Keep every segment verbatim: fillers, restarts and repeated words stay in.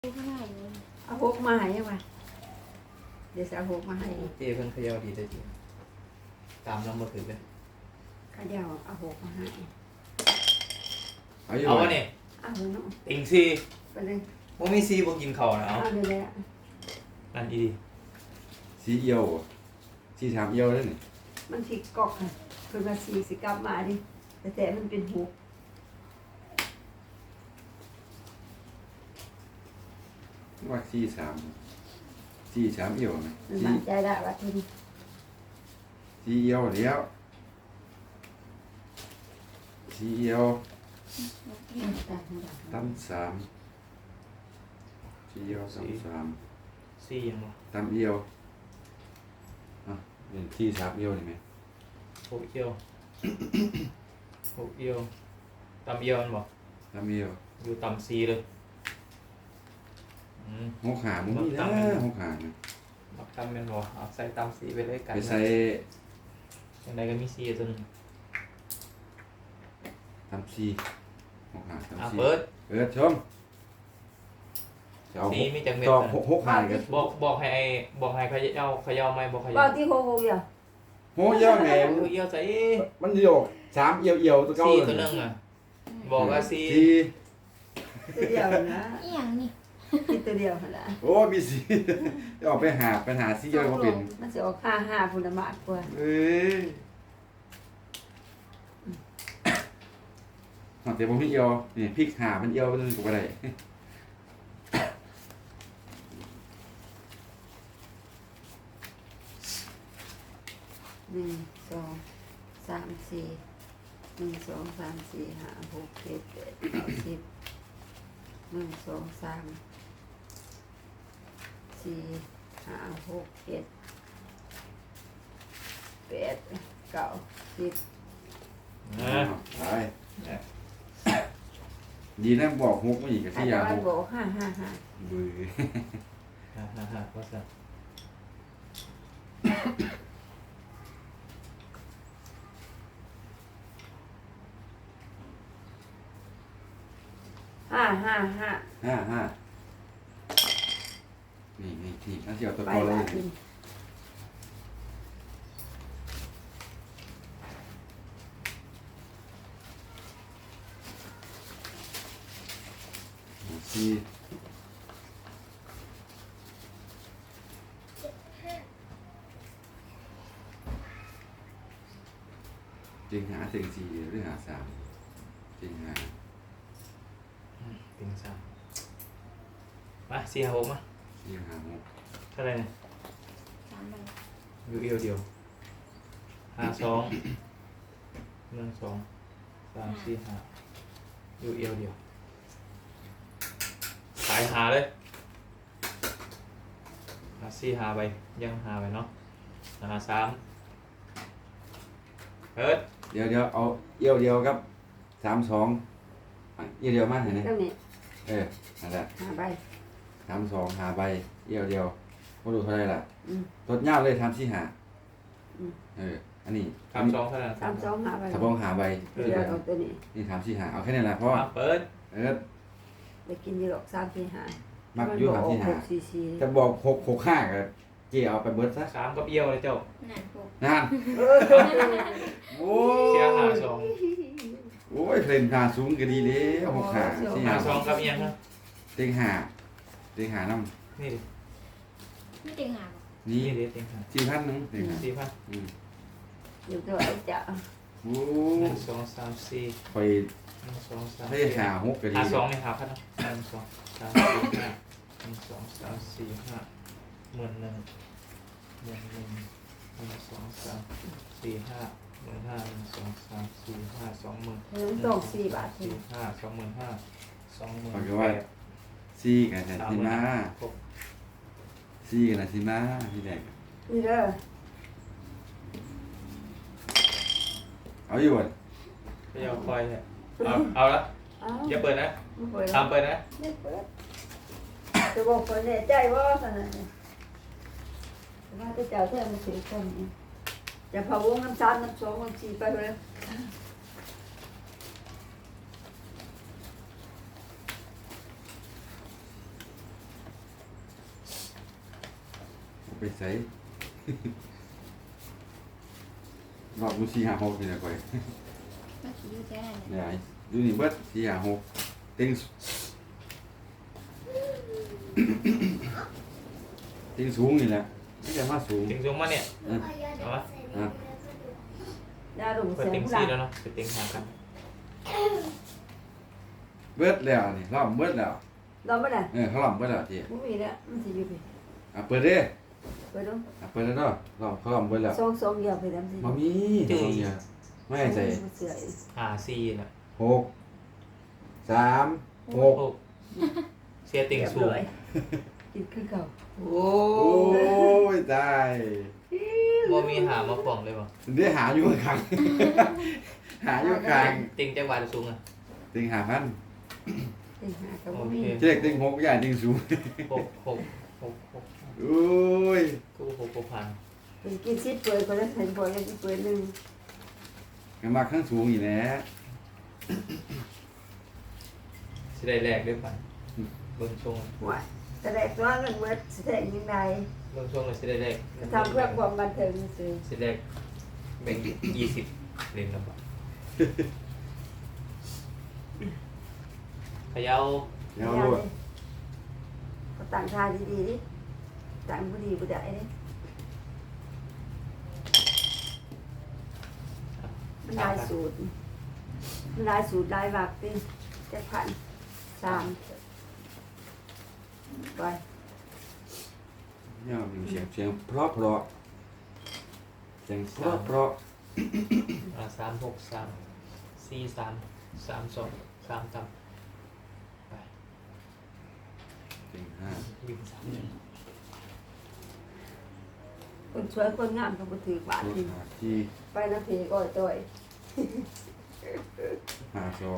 เอาหกมาให้ยังไงเดี๋ยวจะเอาหกมาให้เจเพิ่นเขย่าดีได้จริงตามน้ำมาถือเลยข้าเดียวเอาหกมาให้เอาอยู่เอาบ่วะนี่เอาเลยเนาะติงซีไปเลยบ่มีซีบ่กินข้าวนะเอาเอาเลยเลยนั่นอีดีสีเอียวบ่สีสามเอียวแล้วนี่มันสิกอกค่ะคือมาสี่สิกลับมาดิแต่แต่มันเป็นหกว่าสีสามสีสามเอียวไหมมันสีมั่นใจได้ว่าทุนสีเอียวแล้วสีเอียวตั้มสามสีเอียวตั้มสามซียังบ่ตั้มเอียวอ่ะเป็นสีสามเอียวนี่ไหมหกเอียวหกเอียวตำเอียวมันบ่ตั้มเอียวอยู่ตำซีเลยอืมหกหามึงนี่นะหกหานะบักตำแม่นบ่เอาใส่ตำซีไปเลยกันไปใส่ยังไงก็มีซีตัวหนึงตั้มสี่หกหาตั้มอ่ะสี่เปิดเปิดชมจะเอาซีมีจังเม็ดต่อนะหกหกหากันบอกบอกให้ไอ้บอกให้เขย่าเขย่าไหมบอกเขก็ย่าที่หกหกอย่างโหเอียวไงเอมันอเอียวใส่มันเดียวสามเอียวเอียวตัวเก่าซีเลยตัวหนึงอ่ะบอกว่าซีสี่ตัวเดียวนะอีหยังนี่คิดตัวเดียวหั่นละโอ้มีสี จะออกไปหาไปหาสีเอียวมาเป็นมันจะออกห้าห้าพุนละมากกว่าเอ้ยเอาแต่ผมพี่เอียวนี่พริกหามันเอียวมันกูไปได้หนึ่งสองสามสี่หนึ่งสองสามสี่ห้าหกเจ็ดแปดเก้าสิบหนึ่งสองสามสี่ห้าหกเจ็ดแปดเก้าสิบนะไปดีนะบอกฮกไม่อีกกับอาที่จยาจะฮมันกบอกห้าห้าห้ามือฮ่าฮ่าฮ่าก็สั่นห้าห้าห้าห้าห้านี่นี่นี่นั่นที่เอาตัวไปเก่าเลละยหนึ่งสี่จริงหาเสียงสี่หรือหาสามจริงหาติงสามมาสี่ห้าหกมาจริงหาหกเท่าไหร่เนี่ยสามใบอยู่เอียวเดียวห้าสองหนึ่งสองสามสี่ห้าอยู่เอียวเดียวสายหาเลยหาสี่หาไปยังหาไปเนาะหาสามเอิร์ดเดี๋ยวเดี๋ยวเอาเอี่ยวเดียวครับสามสองเอี่ยวเดียวมากเห็นไหมเท่านี้เออนั่นแหละห้าใบสามสองหาใบเอี่ยวเดียวมาดูเท่าไหรล่ะอืมรถยาวเลยทำสี่หาอืมเอออันนี้สามสองเท่าไหร่สามสองห้าใบถ้าบ้องหาใบเดี๋ยวเอาตัวนี้นี่ทำสี่หาเอาแค่นี้แหละเพราะว่ามาเปิดเออไปกินยีหรอกสามสี่ห้ามักอยุ่ทำสี่หาหกสี่สี่จะบอกหกหกห้าก็เกี่ยวเอาไปเบิร์ดซะสามกับเอียวเลยเจ้าหนักหกนั่นเออโอ้เชียร์หาสองโอ้ยเพลนหาสูงก็ดีเลยหกหาสี่หาหาสองกับเอียงนะเต็งหาเต็งหาน้นี่ดิไม่ติงหาบำนี่นี่ดิเต็งหาสี่พันหนึงเต็งหาสี่พันอืมอยู่ตัวไอ้เจ้าโอ้หนึ่งสองสามสี่ไปหนึ่งสองสามให้หาหกก็ดีหาสองไม่หาพันนะหนึ่งสองสามสี่ห้าหนึ่งสองสามสี่ห้าหมื่นหนึ่งหมื่นหนึ่งหนึ่งสองสามสี่ห้าหมื่นห้าหนึ่งสองสามสี่ห้าสองหมื่นเงินต้องสี่บาทสี่ห้าสองหมื่นห้าสองหมื่นปากแปว่าดสี่กันแต่สามสิหมื่นมาหกสี่กันแต่สิมาพี่แดงนี่เด้อเอาอยู่บ่ไม่ยอมคอยเลยเอาเอาละเอ้าอย่าเปิดนะไม่เปิดทำเปิดนะไม่เปิดจะบอกคนเนี่ยใจว่าขนาดนี้ว่าจะเจ้าแท้มาถือคนนี้จะพะวงน้ำซ้ำน้ำสองน้ำสี่ไปเลยไปใส่ รอบดูสี่ห้าหกนี่นะก่อยเมื่อกี้อยู่แค่นั้นเนี่เนี่ยยดูนี่เบิดสี่ห้าหกเต็ง เต็งสูงนี่แหละไม่ใช่มาสูงติงสูงมาเนี่ยเออเอาวะอ่ะยาดุมเปิดเสียงติงผู้หซี่ลังแล้วเนาะเปิดติงหากันเบิดแล้วนี่รอบเบิดแล้วเราไม่ได้เออเขารอบเบิดแล้วทีไม่มีแล้วมันจะอยู่ไปอ่ะเปิดเด้ไปดูอ่ะเปิดแล้วเนาะรอบเขารอบเบิดแล้วสองสองเดียวไปทำสิมามีทำเนี่ยไม่ให้ใส่เสืออีกหาซีน่ะหกสามหกโอ้เสียติงสูงเรียบร้อยกินขึ้นเก่าโอ้โอ้ยตายบ่มีหามาฟ้องเลยบ่เดี๋ยวหาอยู่ข้าง หาอยู่ข้างติงจังหวัดสูงอ่ะติงหาพันติงหากับโอบ่เคมีเจ๊กติงหกใหญ่ติงสูงหกหกหกหกโอ้ยกูหกหกพันเป็นกินซิดเปิดคนละเห็นบ่ยังสิเปิดหนึงกันมาข้างสูงอีกแล้วสิได้แรกด้วยกันเบิ่งช่วงหวยแต่ได้ตัวเงินเมื่อแสดงยังไงเบิ่งช่วงเลยสิได้แรกทำเพื่อความบันเทิงซื่อสิได้แรกแบ่งยี่สิบเหรียญละบาทเขย่าเดี๋ยวรวดก็ต่างทาดีๆดิต่างบ่ดีบ่ได้ดิมันลายสูตรมันลายสูตรลายวักติเจ็ดพันสามไปเนี่ยมีเสียงเสียงเพราะเพราะเสียงเพราะเพราะอ่าสามหกสามสี่สามสามสองสามต่ำไปติงห้าวิ่งสามคนสวยคนงามก็บ่ถือบาทตัวนี่หาที่ไปนาทีก็ต่อยหาสอง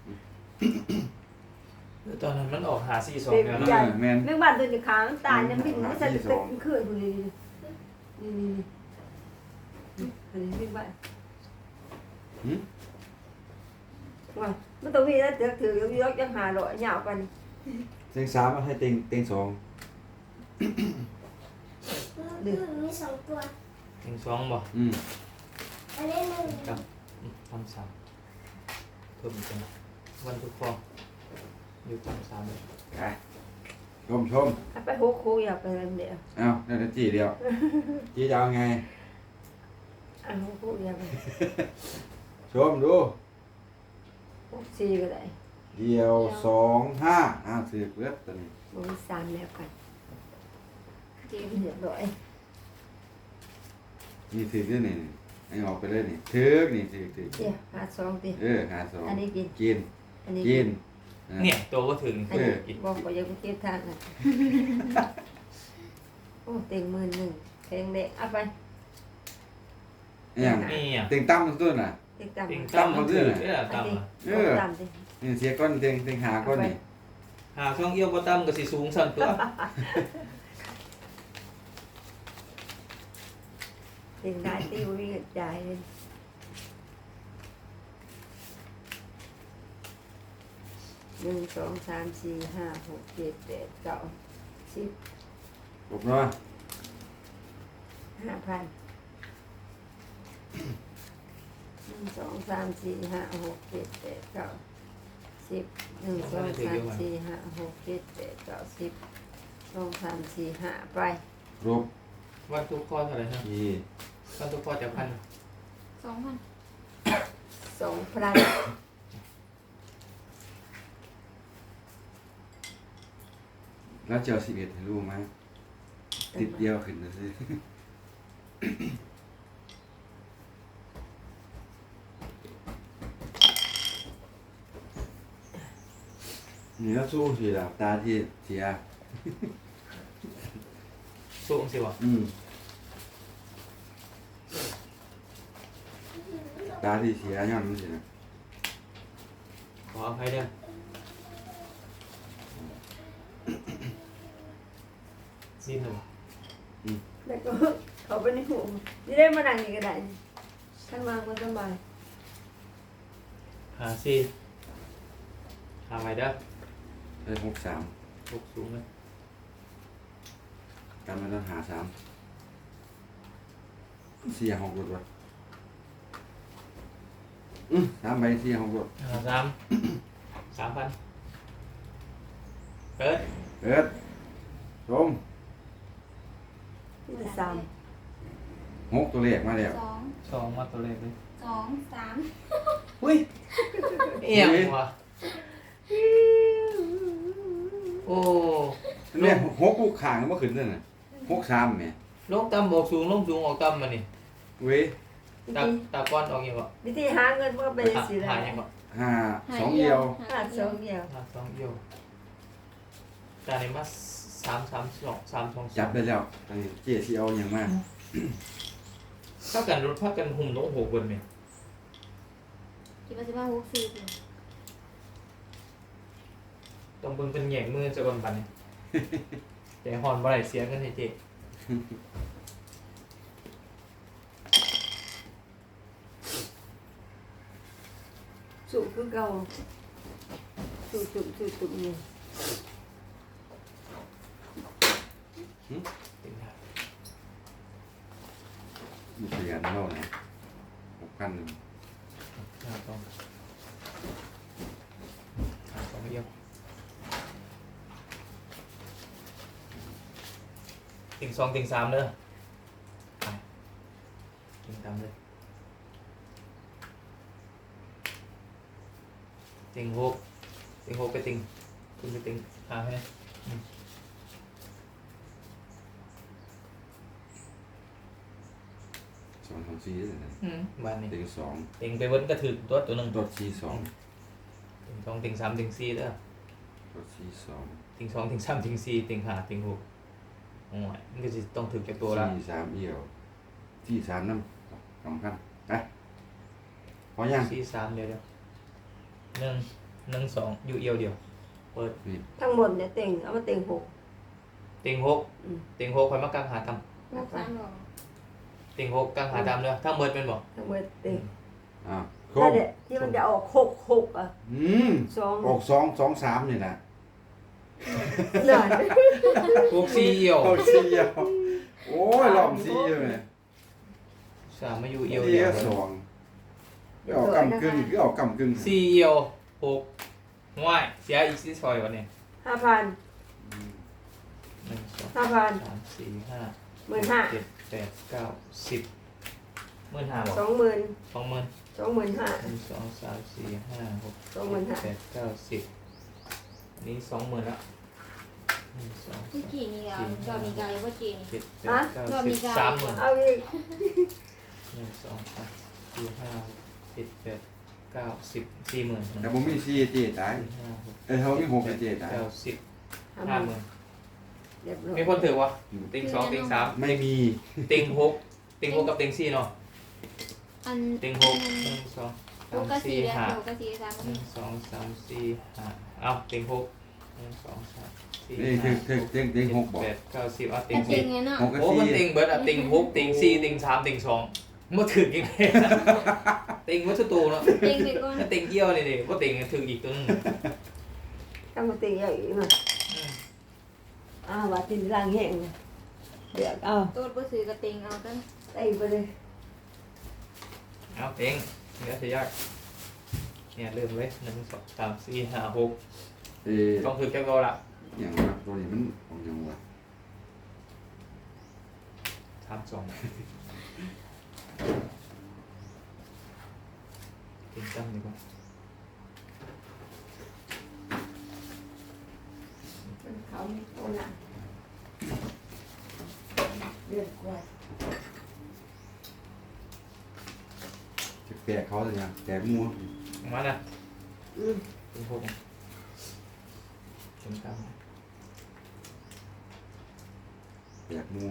ตอนนั้นมันออกหาสี่สองเด็กแล้วใหญ่นะแม่นแมงบ้านตัวนี้ขางตายยังวิ่งไม่ใช่ตึกขึ้นคนนี้นี่นี่นี่อันนี้แมงบ้านหืมว่ามันต้องมีแล้วเถือถือยกยกยังหาหล่อยาวกันเสียงสามให้ติงติงสองมีสองตัวถึงสองบ่อืมอันนี้หนึ่งครับอืมทำสามเพิ่มอีกจังวันทุกฟองอยู่ทำสามเลยไปชมชมไปโคโคอยากไปอะไรเดียวเอ้าได้แต่จีเดียวจีจะเอาไงอ่ะโคโคอยากไปชมดูหกสี่ก็ได้เดียวสองห้าอ้าวสืบเลือดตัวนี้มันมีสามแล้วกันเจ็ดเรียบร้อยนี่สืบด้วยนี่ไอ้ออกไปเลยนี่ถือกนี่ถือกถือกเดี๋ยวหาสองตีเออหาสองอันนี้กินกินอันนี้กินอ่ะเนี่ยตัวก็ถึงอันนี้อีกบอกว่ายังไม่เก็บทางอ่ะโอ้เต็งหมื่นหนึ่งเพลงเด็กเอาไปเนี่ยนี่อ่ะเต็งตั้มตัวน่ะเต็งต่ำติงอันตั้มมันถือเนี่ยตั้มอ่ะเออต่ำดินี่เสียก้อนเต็งเต็งหาก้อนนี่หาช่องเอี้ยวบ่ตั้มก็สิสูงสั่นตัวเต็งได้ตีบ่มีเงินจ่ายเลยหนึ่งสองสามสี่ห้าหกเจ็ดแปดเก้าสิบจบเนาะห้าพันหนึ่งสองสามสี่ห้าหกเจ็ดแปดเก้าสิบหนึ่งสองสามสี่ห้าหกเจ็ดแปดเก้าสิบสองสามสี่ห้าไปรบวันทุกข้อเท่าไหร่ฮะทีวันทุกข้อจะพันสองพันสองพันแล้วเจ้าสิบเอ็ดให้รู้ไหมติดเดียวขึ้นนะสินี่ก็สู้สิล่ะตาที่เสียสูงสิวะอืมตาที่เสียย้อนมันสินะขออภัยเด้อนิดหนึ่งแล้วก็เขาไปในหูนี่ได้มานั่งนี่ก็ได้ข้างล่างมันสบายหาสี่หาไว้เด้อได้หกสามหกสูงเลยการมาต้องหาสามเสียหกรถวะอืมสามใบเสียหกรถหาสามสามพันเปิดเปิดชมที่สามหกตัวเลขมาแล้วสองสองมาตัวเลขเลยสองสามอุ้ยเอี่ยมว่ะโอ้เนี่ยหกลูกข่างเมื่อคืนนั่นน่ะหกสามเนี่ยลงต่ำบอกสูงลงสูงออกต่ำมานี่เว้ยวิตาธีตาก้อนออกยังไงวิธีหาเงินว่าเป็นสิหาได้ยังไงห้าสองเดียวหาสองเดียวหาสองเอียวจานนี้มาสามสามสองสามสองจับได้แล้วตอนนี้เจ๊ที่เอาอย่างมากถ้ากันรถถ้ากันหุ่มลงหกคนเนี่ยคิดว่าจะมาหกสี่สิต้องเบิ่งเป็นแหย่งมือจะก่อนปันเนี่ยแต่หอนบ่ได้เสียกันให้เจ๊สูงคือเก่าสูงจุ่มสูงจุ่มเนี่ยติงหามีเสียงเล่านะหกพันหนึ่งหาสองหาสองเอียวติงสองติงสามเด้อไปติงสามเลยติงหกติงหกไปติงคุณไปติงหาให้นะสองสองสี่เลยนะอืมบ้านนี้เต็งสองติงไปเบิ้นก็ถือตัวตัวหนึ่งรถสี่สองติงสองติงสามติงสี่เด้อรถสี่สองติงสองติงสามติงสี่ติงห้าติงหกโอ้ยมันก็จะต้องถือแก่ตัวละสี่สามเอี่ยวที่สามน้ำสำคัญไปพอยังสี่สามเดียวเดียวหนึ่งหนึ่งสองอยู่เอียวเดียวเปิดนี่ทั้งหมดเนี่ยเต็งเอามาเต็งหกติงหกอืมติงหกคอยมากลางหาตหกสามหรอำติงหกกลางหาตำเด้อถ้าเมิดเป็นบอกทั้งหมดเต็งอ่าครนั่บนแหละที่มันจะออกหกหกอ่ะอืมสองออกสองสองสามนี่นะหน่อยหกสี่เอียวออกสี่เอี่ยวโอ้ยรอบสี่เอี่ยวเนี่ยสามมาอยู่เอียวเอี่เดียยววสองคือเอากำกึ่งคือเอากำกึ่งสี่เอียวหกง่ายเสียอีกสี่ซอยวันนี้ห้าพันหนึ่งสองห้าพันสามสี่ห้าหมื่นห้าเจ็ดแปดเก้าสิบหมื่นห้าบอกสองหมื่นสองหมื่นสองหมื่นห้าหนึ่งสองสามสี่ห้าหกสองหมื่นห้าแปดเก้าสิบอันนี้สองหมื่นละหนึ่งสองที่กี่นี่อ่ะจอมีกายว่าจีนี่เจ็ดแปดเก้าสิบสามหมื่นเอาอีกหนึ่งสองสามสี่ห้าเจ็ดแปดเก้าสิบสี่หมื่นหนึ่งแต่ผมมีสี่เจ๊ตายสี่ห้าหกเอ้ยเขามีหกเจ๊ตายเก้าสิบห้าห้าหหมื่มื่นนเรียบร้อยมีคนถือวะติงสองติงสามไม่มีติงหกติงหกกับติงสี่เนาะอันติงหกหนึ่งสองหสาก มกับสี่สี่แล้วห้าหกกับสี่สามหนึ่งสองสามสี่ห้าเอาติงหกหนึ่งสองสามสี่นี่ห้าถึงถึงถึงถึงหกบอกแปดเก้าสิบเอาติแต่งจริสี่งไงเนาะหกกับโอ้มันสี่ติงเบิร์ดอะติงหกติงสี่ติงสามติงสองมาถึงยังไงติงวัตถุตูเนาะเต็งไปก่อนถ้าติงเยี่ยวนี่ดิว่าติงถึงอีกตัวนึงต้องมาเต็งเอาอีกหน่อยอ้าวว่าติดล่างแห้งเลยเดี๋ยวเอาตัวบ่ซื้อกับเต็งเอาตั้งเต็งไปเลยเอาติงเนื้อเสียยากเนี่ยเริ่มเลยหนึ่งสองสามสี่ห้าหกเอ้ยต้องถึงแก้วละอย่างว่าตัวนี้มันของยังวะสามสองติงตั้มดีกว่าเขาไม่โตหนักเดือดกว่าจะแปลกเขาเลยยังแปลกมัวมาน่ะอืมติงหกติงตั้มแปลกมัว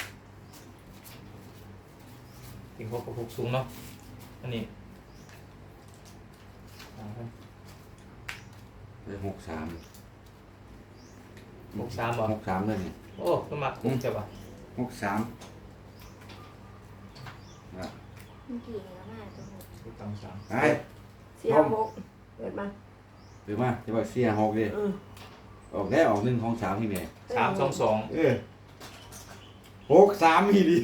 ติงหกกับหกสูงเนาะอันนี้เอาครับไปหกสามหกสามบ่หกสามเลยนี่โอ้ก็มาหกเจ็บอ่ะหกสามนะเมื่อกี้นี่ก็มาตัวหกติงตั้มสามไปเสียหกเกิดมาหรือว่าจะบอกเสียหกดิอืมออกได้ออกหนึ่งของสามที่แม่สามสองสองเออหกสามอีดี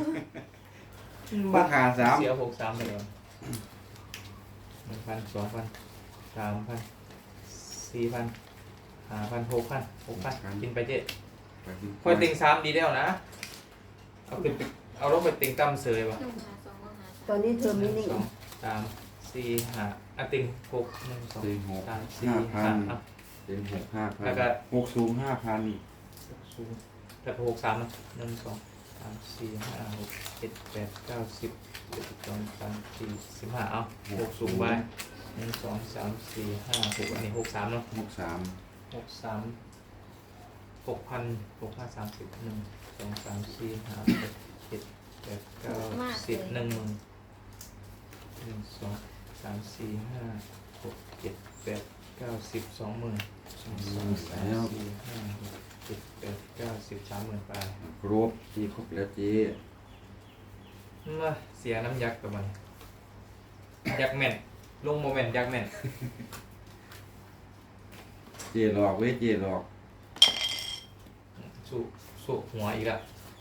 ราคาสามเสียหกสามไปแล้วหนึ่งพันสองพันสามพันสี่พันห้าพันหกพันหกพันกินไปเจ๊คอยติงสามดีแล้วนะเอาขึ้นไปเอาลงไปติงตั้มเสยป่ะหนึ่งหาสองหาตอนนี้เธอหไม่นึ่งนิ่งสองสามสี่ห้าอ่ะติงหกหนึ่งสองเต็งหกสามสี่ห้าพัห้าน อ่ะเต็งหกห้าพันแล้วก็หกสูงห้าพันสูงแล้วก็หกสามอ่ะหนึ่งสองสามสี่ห้าหกเจ็ดแปดเก้าสิบเจ็ดสิบสองสามสี่สิบห้าเอาหกสูงไปหนึ่งสองสามสี่ห้าหกอันนี้หกสามเนาะหกสามหกสามหกพันหกห้าสามสิบหนึ่งสองสามสี่ห้าหกเจ็ดแปดเก้าสิบหนึ่งหมื่นหนึ่งสองสามสี่ห้าหกเจ็ดแปดเก้าสิบสองหมื่นสองสามสามสี่ห้าหกเจ็ดแปดเก้าสิบสามหมื่นไปครบที่ครบแล้วเจ๊มาเสียน้ำยักษ์กับมันยักษ์แม่นลงโมเมนต์ยักษ์แม่นเจ๊หลอกเว้ยเจ๊หลอกสู้สู้หัวอีกละ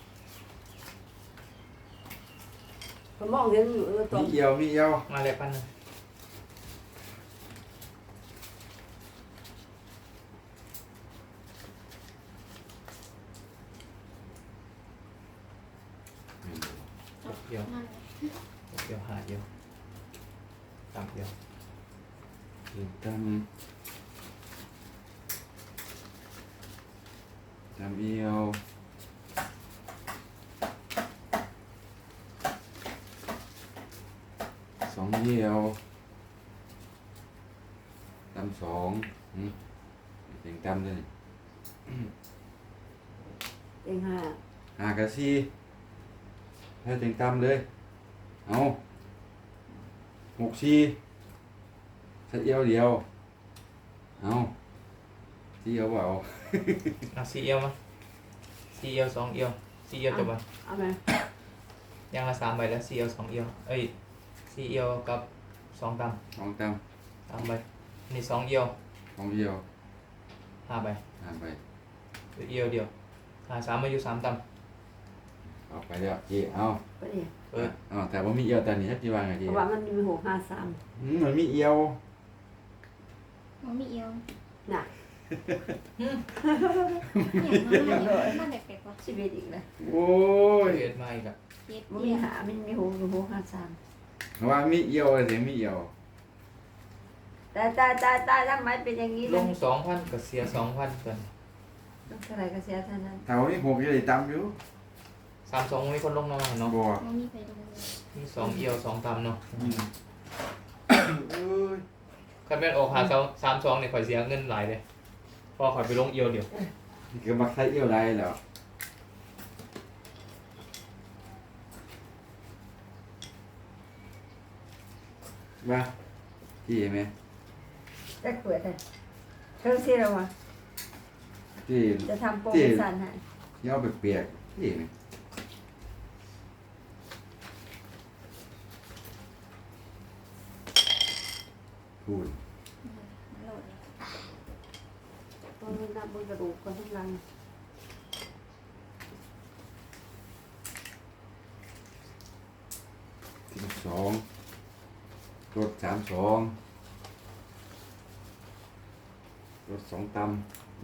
เขามองเห็นอยู่แล้วตอมีนเอียวมีเอียวมาเลยพันหนึง หกเดียวนั่นหกเดียวหาเดียวสามเดียวเต็งตำตำเอียวสองเอียวตำสองอืมเต็งตำเลยเองห้าหากระซีให้เต็งตำเลย เอาหกซีใช้เอียวเดียว เอาซีเอียวเปล่าเอาสี่เอียวมาสี่เอียวสองเอียวสี่เอียวจบป่ะเอาไหมยังละสามใบแล้วสี่เอียวสองเอียวเอ้ยสี่เอียวกับสองตสองตำสามใบนี่สองเอียวำสองเอียวห้าใบหาไปเหลือเอียวเดียวหาสามมาอยู่สามตเอาไปแล้วเจีเอาก็เนี่ยำเออเอาแต่ว่ามีเอียวแต่นี่จีวางไงเพจีราะว่ามันมีหกห้าสามอืมมันมีเอียวมันมีเอียวน่ะอย่างนั้นเลยมันเด็กๆว่ะชีวิตอีกเลยโอ้ยเกิดมาอีกอะเจ็ดมันเอีมียวหามันมีหกอยู่หกห้าสามเพราะว่ามีเอียวแต่มีเอียวแต่ตายตายตายทำไมเป็นอย่างนี้ลล่ะงสองพันก็เสียสองพันกันต้องเท่าไหรก็เสียเท่านั้นเท่านี้หกจะได้ตำอยู่สามสองมีคนลงมาเนาะบัวมันมีไปตรงนี้มีสองเอียวสองตำเนาะอืมเอ้ยคันแม่นออกหาสองสามสองเนี่ยข่อยเสียเงินหลายเลยพอข่อยไปลงเอียวเดียวนี่ก็มักใช้เอียวได้แล้วมาจีไหมจะเปิดเลยเธอเสียแล้ววะจีจะทำโปรโมชั่นให้เอียวเปียกๆจีไหมพูดโหลดเลยตอนนี้นับบนกระดูกคนทุกลังสิบสองรถสามสอง รถสองตำ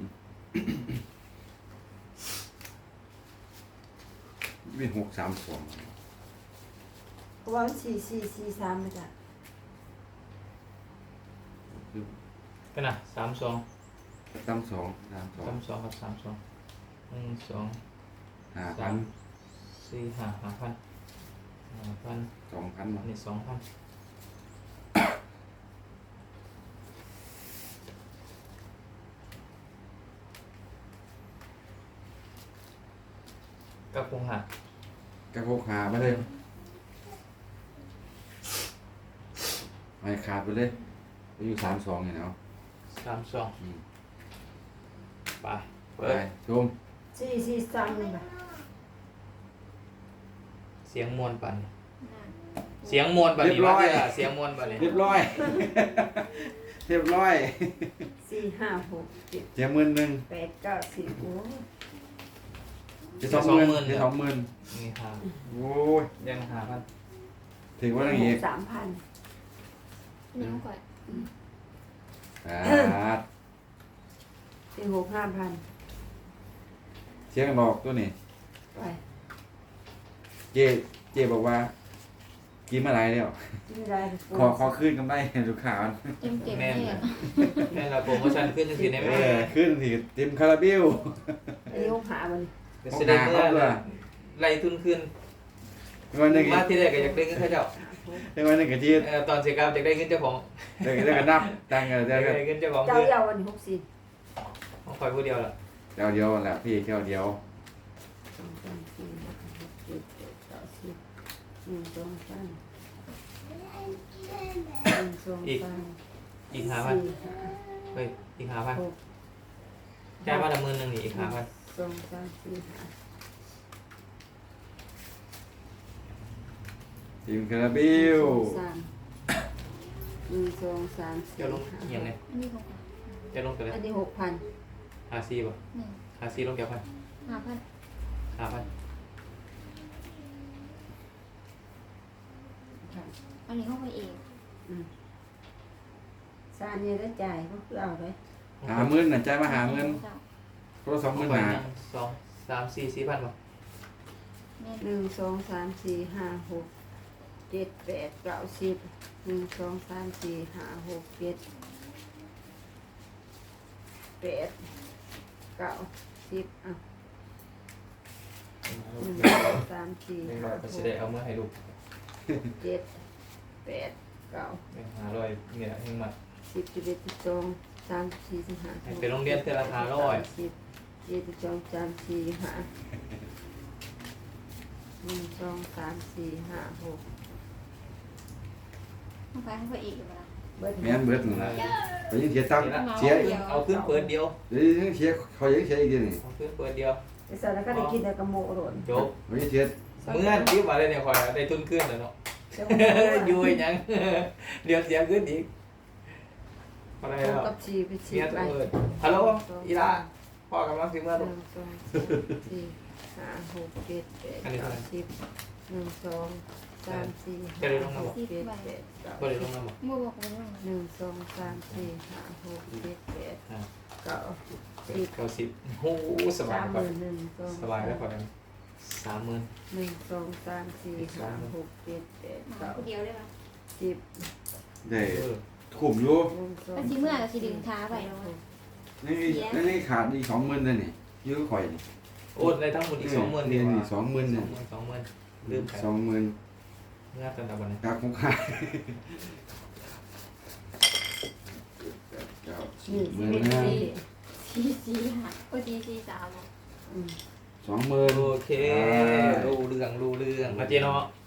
เป็นหกสามสองเพราะว่าสี่สี่สี่สามเลยจ้ะกันนะสามสองตำสองสามสองสามสองกับสามสองหนึ่งสองห้าสาพันมสี่ห้าห้าพันห้าพันสองพันอันนี้สองพันกับคงหักกระโปงขาไปเลยไม่ขาดไปเลยไปอยู่สามสองเนี่ยเนาะสามสองอืมไปไปเปิดชมสี่สี่สามเลยจ้ะเสียงมวลปั่นนั่นเสียงมวลปั่นนี่ว่าเสียเสียงมวลปั่นนี่เรียบร้อย เรียบร้อยสี่ห้าหกเจ็ดเจ็ดหมื่นหนึ่งแปดเก้าสิบโอ้ยจะสองหมื่นจะสองหมื่นนี่หาโอ้ยยังหาพันถือว่าอย่างงี้สามพันนี่มันก่อนอ่าสี่หกห้าพันเสียงหลอกตัวนี้ไปเจเจบอกว่ากินมาหลายแล้วไม่ได้ขอขอขึ้นกำไรให้ลูกค้ามันเต็มเต็มแม่นเนี่ยแม่นเราโปรโมชั่นขึ้นจังซี่ได้เอไหมอขึ้นสิเต็มคาราเบลอันนี้หกหามันก็สิได้เมื่อไล่ทุนขึ้นวันหนึ่งมาที่แรกก็อยากได้เงินเขาเจ้าวันหนึ่งกับจีนเออตอนเสียกรรมอยากได้เงินเจ้าของเดี๋ยวก็นับตังค์เดี๋อยยวากก็ได้เงินเจ้าของเจ้าคือเยาวันหกสิบของคอยผู้เดียวล่ะเดี๋ยวเดียวแหละพี่เดียวเดียวสองสามสี่ห้าหกเจ็ดแปดเก้าสิบหนึ่งสองสามหนึ่งสองสามอีกหาพันสี่ห้าเฮ้ยอีกหาพันหกจ่ายมาละหมื่นหนึ่งนี่อีกหาพันสองสามสี่ห้าทีมคาราเบลสามหนึ่งสองสามสี่เจ้าลงห้าเอียงไงอันนี้ของเจ้าลงกันเลยอันนี้หกพันหาซีป่ะหนึ่งหาซีลงเกี่ยวพันห้าพันหาพันอันนี้ห้องไปเองซาเนี่ยได้จ่ายก็คือเอาเลยหาเงินน่ะใจมาหาเงินคนละสองหมื่นหาสองสามสี่สี่พันป่ะแม่หนึ่งสองสามสี่ห้าหกเจ็ดแปดเก้าสิบหนึ่งสองสามสี่ห้าหกเจ็ดแปดเก้าสิบอ่ะหนึ่งสองสามสี่หนึ่งห้าร้อยหก็กจะได้เอาเมื่อให้ลูกเจ็ดแปดเก้าหนึ่งหาร้อยเนี่ยหนึ่งมาสิบสิบเอ็ดสิบสองสามสิบสี่สิบห้าให้ไปโรงเรียนเทอราคาร้อยสิบเจ็ดสิบสองสามสี่ห้าหนึ่งสองสามสี่ห้าหกห้องไปห้องไปเองอยู่แล้วเบิดแม่นเบิดนั่นล่ะไปยังเสียตังค์เสียเอาขึ้นเปิดเดียวเดี๋ยวยังเสียเขายังเสียอีกเดียวนี่เอาขึ้นเปิดเดียวไอ้สัตว์แล้วก็ได้กินแต่กระโมโหลนจบเขายังเสียเมื่อคิดว่าได้เนี่ยคอยได้ทุนขึ้นแล้วเนาะ อยู่ยัง เดี๋ยวเสียขึ้นอีกอะไรตรงแล้วกับชีไปชีเมียไปตัวเอิญฮัลโหลอีลาพ่อกำลังสิเมื่อหลูนึ่กงสองสามสี่ห้าหกเจ็ดแปดอันนี้เท่าเก้าไหร่สิบหนึ่งสองสามสี่จะได้ลงมาหบอกกเจ็ดแปดเก้าบ่ได้ลงมาบอกเมื่อบอกเลยว่าหนึ่งสองสามสี่ห้าหกเจ็ดแปดอ่าเก้าสิบเก้าสิบโอ้สบายสามหก่อนมื่นหนึ่งสองสบายแล้วก่อนสามหมื่นหนึ่งสองสามสี่ห้าหกเจ็ดแปดหมาเก้าคนเดียวได้ปะสิบได้เออขุมอยู่หนึ่งสองก็สิเมื่อก็สิดึงท้าไปเนาะนี่นี่นี่ขาดอีกสองหมื่นเลยนี่ยื้อข่อยนี่โอนได้ทั้งหมดอีกสองหมื่นดีนี่กว่านี่สองหมื่นสเนี่อย งหมื่นสองหมื่นลืมไปสองหมื่นเมื่อตอนตะวันกาคุ้มค่าเก้าสินี่บหมื่นสิบห้าเอ็ดสี่สี่ห้าโอ้สี่สี่สามอืมสองหมื่นโอเครู้เรื่องรู้เรื่องมาเจเนาะ